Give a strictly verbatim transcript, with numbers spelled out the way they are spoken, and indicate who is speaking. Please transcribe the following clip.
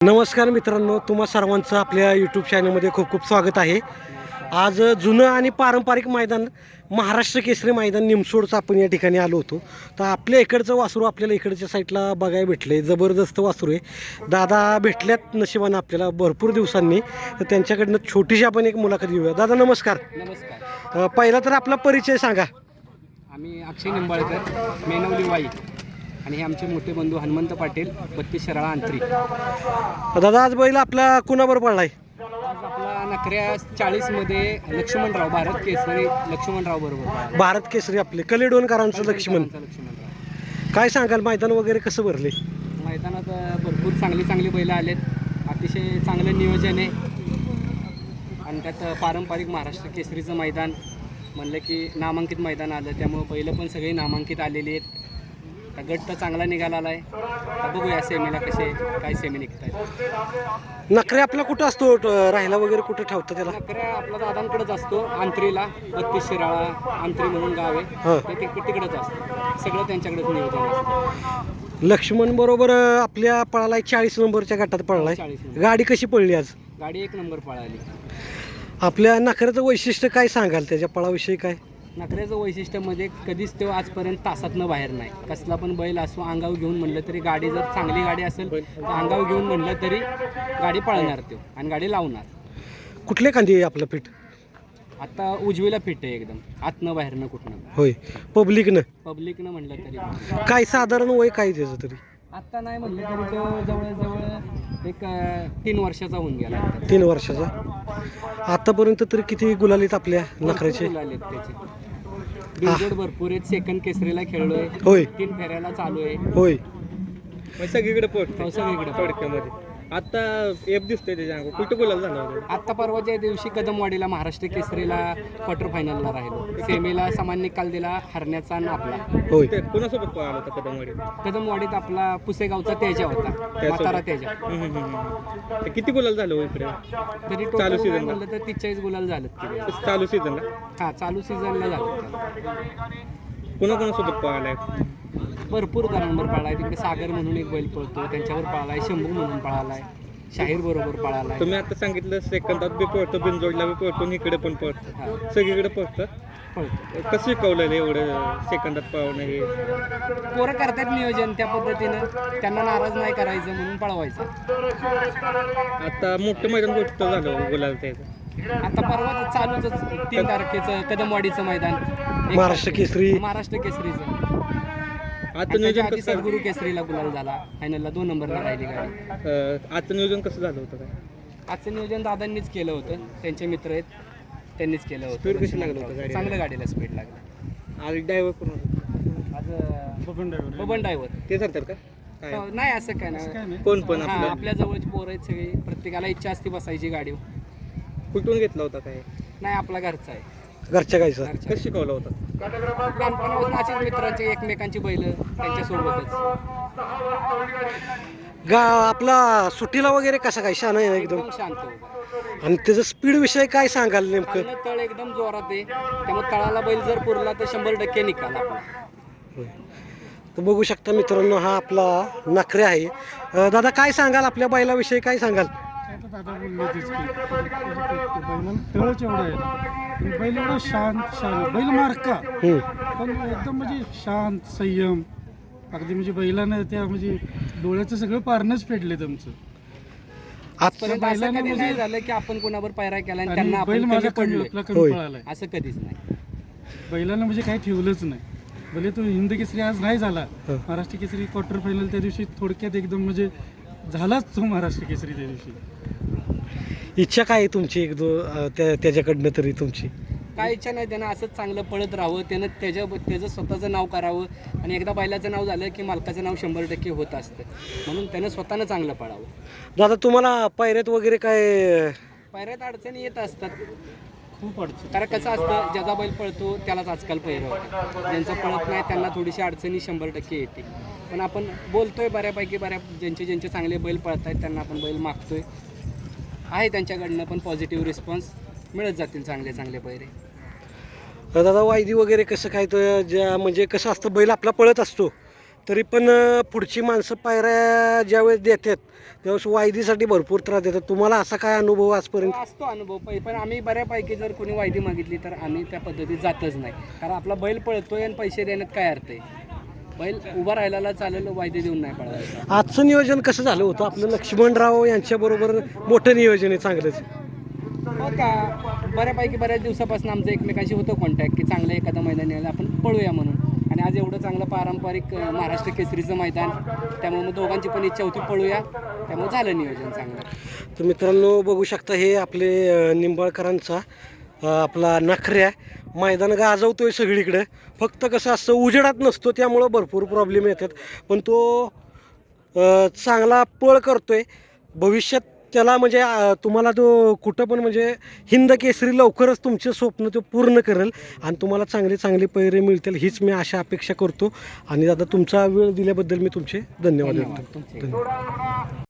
Speaker 1: नमस्कार मित्रांनो, तुम्हा सर्वांचं आपल्या यूट्यूब चॅनलमध्ये खूप खूप स्वागत आहे. आज जुनं आणि पारंपरिक मैदान महाराष्ट्र केसरी मैदान निमसोडचं आपण या ठिकाणी आलो होतो. तर आपल्या इकडचं वासरू आपल्याला इकडच्या साईडला बघायला भेटलं आहे. जबरदस्त वासरू आहे. दादा भेटल्यात नशिबानं आपल्याला भरपूर दिवसांनी. तर त्यांच्याकडनं छोटीशी आपण एक मुलाखत घेऊया. दादा नमस्कार.
Speaker 2: नमस्कार.
Speaker 1: अ, पहिला तर आपला परिचय सांगा.
Speaker 2: आम्ही अक्षय निंबाळकर, मेनवली वाई, आणि हे आमचे मोठे बंधू हनुमंत पाटील, बत्तीस शराळा अंतरी.
Speaker 1: दादा आज बैल आपला कुणाबरोबर पडला आहे?
Speaker 2: आज आपला नखऱ्या चाळीसमध्ये लक्ष्मणराव, भारत केसरी लक्ष्मणराव बरोबर.
Speaker 1: भारत केसरी आपले कलेडोनकरांचं लक्ष्मण.
Speaker 2: लक्ष्मणराव.
Speaker 1: काय सांगाल, मैदान वगैरे कसं भरले?
Speaker 2: मैदानात भरपूर चांगली चांगली बैलं आलेत. अतिशय चांगलं नियोजन आहे आणि त्यात पारंपरिक महाराष्ट्र केसरीचं मैदान म्हणलं की नामांकित मैदान आलं, त्यामुळं बैलं पण सगळी नामांकित आलेली आहेत. आता गट तर चांगला निघाला आहे. आता बघूया सेमीला कसे काय सेमी निघत आहेत.
Speaker 1: नखरे आपला कुठं असतो, ट- राहायला वगैरे कुठं ठेवतं त्याला?
Speaker 2: नकऱ्या आपला दादांकडेच असतो, आंत्रीला. बत्तीस शिराळा आंत्री म्हणून गाव आहे,
Speaker 1: हं.
Speaker 2: ते तिक- तिकडेच असतं. सगळं त्यांच्याकडेच नियोजन असतं.
Speaker 1: लक्ष्मण बरोबर आपल्या पळालाय चाळीस नंबरच्या गटात पळलाय.
Speaker 2: चाळीस नंबर.
Speaker 1: गाडी कशी पडली आज?
Speaker 2: गाडी एक नंबर पळाली.
Speaker 1: आपल्या नखऱ्याचं वैशिष्ट्य काय सांगाल, त्याच्या पळाविषयी काय?
Speaker 2: नकऱ्याचं वैशिष्ट्यामध्ये कधीच तो आजपर्यंत तासातनं बाहेर नाही. कसला पण बैल असो, अंगावर घेऊन म्हणलं तरी, गाडी जर चांगली गाडी असेल तर अंगावर घेऊन म्हणलं तरी गाडी पळणार तो आणि गाडी लावणार.
Speaker 1: कुठल्या खांदी आहे आपलं पीठ?
Speaker 2: आता उजवीला फिट आहे एकदम, आतनं बाहेरनं कुठनं.
Speaker 1: होय. पब्लिकनं
Speaker 2: पब्लिकनं म्हणलं तरी
Speaker 1: काय साधारण वय काय त्याचं तरी?
Speaker 2: आत्ता नाही म्हणलं तरी तो जवळजवळ एक अं, तीन वर्षाचा होऊन गेला.
Speaker 1: तीन वर्षाचा. आतापर्यंत तरी किती गुलालीत आपल्या नखऱ्याचे?
Speaker 2: भरपूर आलेत त्याचे. बिनजोड भरपूर आहेत. सेकंड केसरीला खेळलोय,
Speaker 1: होय
Speaker 2: तीन फेऱ्याला चालू आहे.
Speaker 1: होय.
Speaker 3: सगळीकडे पडतो
Speaker 2: सगळीकडे
Speaker 3: थोडक्यामध्ये. आता एफ दिसतोय त्याच्या अंगावर. कुठं बोलायला जाणार?
Speaker 2: आत्ता परवाच्या दिवशी कदमवाडीला महाराष्ट्र केसरीला क्वार्टर फायनलला राहिलो. सेमीला समान निकाल दिला हरण्याचा आणि आपला.
Speaker 1: होय.
Speaker 3: ते कोणासोबत पळाला होता कदमवाडी?
Speaker 2: कदमवाडीत आपला पुसेगावचा तेजा होता, म्हातारा तेजा.
Speaker 3: ते किती बोलायला झालं हो इकडे
Speaker 2: तरी
Speaker 3: चालू
Speaker 2: टोटल
Speaker 3: season ला?
Speaker 2: म्हणलं तर तीस गुलाल झालं तिथे.
Speaker 3: चालू सीझनला?
Speaker 2: हा, चालू सीझनला झालं.
Speaker 3: कोणा कोणासोबत पळालाय?
Speaker 2: भरपूर जणांवर पळालाय. तिकडे सागर म्हणून एक बैल पळतो, त्यांच्यावर पळालाय. शंभू म्हणून पळालाय. शाहीर बरोबर पळालाय.
Speaker 3: तुम्ही आता सांगितलं सेकंदात बी पळतो, बिनजोडला बी पळतो आणि इकडे पण पळतो.
Speaker 2: हा,
Speaker 3: सगळीकडे पळतं.
Speaker 2: पळतो.
Speaker 3: कसं शिकवलेलं एवढं सेकंदात पळवणं हे?
Speaker 2: पोरं करतात नियोजन त्या पद्धतीनं, त्यांना नाराज नाही करायचं म्हणून पळवायचं.
Speaker 3: आता मोठं मैदान गोष्ट झालं गुलाल त्याचं.
Speaker 2: आता परवाच चालूच तीन तारखेचं कदमवाडीचं मैदान, एक
Speaker 1: महाराष्ट्र केसरी.
Speaker 2: महाराष्ट्र केसरीचं.
Speaker 3: आता
Speaker 2: आणि त्याच्या
Speaker 3: नियोजन
Speaker 2: आधी
Speaker 3: कसं
Speaker 2: सद्गुरू केसरीला गुलाल झाला. फायनलला दोन नंबरला राहिली गाडी.
Speaker 3: अं, आजचं नियोजन कसं झालं होतं काय?
Speaker 2: आजचं नियोजन दादांनीच केलं होतं. त्यांचे मित्र आहेत, त्यांनीच केलं होतं.
Speaker 3: Speed कशी लागलं होतं गाडीला?
Speaker 2: चांगलं गाडीला स्पीड लागलं.
Speaker 3: आज ड्रायव्हर कोण होता?
Speaker 2: आज बबन ड्रायव्हर.
Speaker 3: ते सांगतात का काय?
Speaker 2: नाही असं काय नाही.
Speaker 3: कोण पण
Speaker 2: हा,
Speaker 3: आपलं
Speaker 2: आपल्या जवळची पोरं आहेत सगळी. प्रत्येकाला इच्छा असते बसायची गाडी.
Speaker 3: कुठून घेतला होता काय?
Speaker 2: नाही, आपला घरचा आहे.
Speaker 1: घरच्या गायचं.
Speaker 2: घरचा.
Speaker 3: कसं शिकवला होता?
Speaker 2: लहानपणापासून अशीच मित्रांची, एकमेकांची बैल त्यांच्यासोबतच.
Speaker 1: गा आपला सुट्टीला वगैरे कसा काय शान आहे एकदम?
Speaker 2: एकदम शांत उभा.
Speaker 1: आणि त्याचं स्पीड विषय काय सांगाल नेमकं?
Speaker 2: चांगलं तळ एकदम जोरात आहे, त्यामुळे तळाला बैल जर पुरला तर शंभर टक्के निकाल आपला.
Speaker 1: होय. तर बघू शकता मित्रांनो, हा आपला नखरे आहे. अ, दादा काय सांगाल आपल्या बैलाविषयी, काय सांगाल?
Speaker 4: आता दादा बोलले तेच की बैलाला तळच एवढं आहे आणि बैल एवढं शांत शांत बैल मार्का,
Speaker 1: हम्म.
Speaker 4: पण एकदम म्हणजे शांत संयम. अगदी म्हणजे बैलानं त्या म्हणजे डोळ्याचं सगळं पारणंच फेडले तुमचं.
Speaker 2: आजपर्यंत असं
Speaker 4: बैलानं
Speaker 2: कधी नाही
Speaker 4: म्हणजे-
Speaker 2: झालं की आपण कोणावर पायरा केला आणि
Speaker 4: आणि
Speaker 2: त्यांना
Speaker 4: बैल
Speaker 2: आपण
Speaker 4: माझ्या
Speaker 2: कमी
Speaker 4: कमी
Speaker 2: पडलोय.
Speaker 4: आपला
Speaker 1: होय.
Speaker 4: कमी पळालाय.
Speaker 2: असं कधीच नाही.
Speaker 4: बैलानं म्हणजे काही ठेवलंच नाही. भले तो हिंद केसरी आज नाही झाला,
Speaker 1: हं.
Speaker 4: महाराष्ट्र केसरी क्वार्टर फायनल त्या दिवशी थोडक्यात एकदम म्हणजे झालाच तो महाराष्ट्र केसरी त्या दिवशी.
Speaker 1: इच्छा काय आहे तुमची, एक दो अ, त्या त्याच्याकडनं तरी तुमची?
Speaker 2: काय इच्छा नाही, त्यानं असंच चांगलं पळत राहावं. त्यानं त्याच्या त्याचं स्वतःचं नाव करावं आणि एकदा बैलाचं नाव झालं की मालकाचं नाव शंभर टक्के होत असतं. म्हणून त्यानं स्वतःनं चांगलं पळावं.
Speaker 1: दादा तुम्हाला पायऱ्यात वगैरे काय?
Speaker 2: पायऱ्यात अडचणी येत असतात.
Speaker 4: खूप अडचण.
Speaker 2: कारण कसं असतं, ज्याचा बैल पळतो त्यालाच आजकाल पहिरं होतं. ज्यांचं पळत नाही त्यांना थोडीशी अडचणी शंभर टक्के येते. पण आपण बोलतोय बऱ्यापैकी, बऱ्या ज्यांचे ज्यांचे चांगले बैल पळत आहेत त्यांना आपण बैल मागतोय. आहे त्यांच्याकडनं पण पॉझिटिव्ह रिस्पॉन्स मिळत जातील चांगले चांगले पैरे.
Speaker 1: दादा वायदी वगैरे कसं काय, तर ज्या म्हणजे कसं असतं, बैल आपला पळत असतो तरी पण अं, पुढची माणसं पायऱ्या ज्यावेळेस देतात त्यावेळेस वायदीसाठी भरपूर त्रास देतात. तुम्हाला असा काय अनुभव आजपर्यंत?
Speaker 2: असतो अनुभव पै पण आम्ही बऱ्यापैकी जर कोणी वायदी मागितली तर आम्ही त्या पद्धतीत जातच नाही, कारण आपला बैल पळतोय आणि पैसे देण्यात काय अर्थ आहे. बैल उभा राहिलेला चालेल, वायदे देऊन नाही पळवायचा.
Speaker 1: आजचं नियोजन कसं झालं होतं आपलं? लक्ष्मणराव यांच्याबरोबर मोठं नियोजन आहे चांगलंच.
Speaker 2: हो का, बऱ्यापैकी बऱ्याच दिवसापासून आमचं एकमेकांशी होतं कॉन्टॅक्ट की चांगलं एखादं मैदान यायला आपण पळूया म्हणून. आणि आज एवढं चांगलं पारंपरिक अं, महाराष्ट्र केसरीचं मैदान, त्यामुळे मग दोघांची पण इच्छा होती पळूया, त्यामुळे झालं नियोजन चांगलं.
Speaker 1: तर मित्रांनो बघू शकता हे आपले अ, निंबाळकरांचा अ, आपला नखऱ्या मैदान गाजवतोय सगळीकडे. फक्त कसं असतं उजेडात नसतो त्यामुळं भरपूर प्रॉब्लेम येतात, पण तो अ, चांगला पळ करतोय. भविष्यात त्याला म्हणजे अ, तुम्हाला तो कुठं पण म्हणजे हिंद केसरी लवकरच तुमचे स्वप्न तो पूर्ण करेल आणि तुम्हाला चांगले चांगले पैरे मिळतील हीच मी आशा अपेक्षा करतो. आणि दादा तुमचा वेळ दिल्याबद्दल मी तुमचे धन्यवाद
Speaker 2: धन्यवाद
Speaker 1: देतो.
Speaker 2: तुमचे.
Speaker 1: धन्यवाद.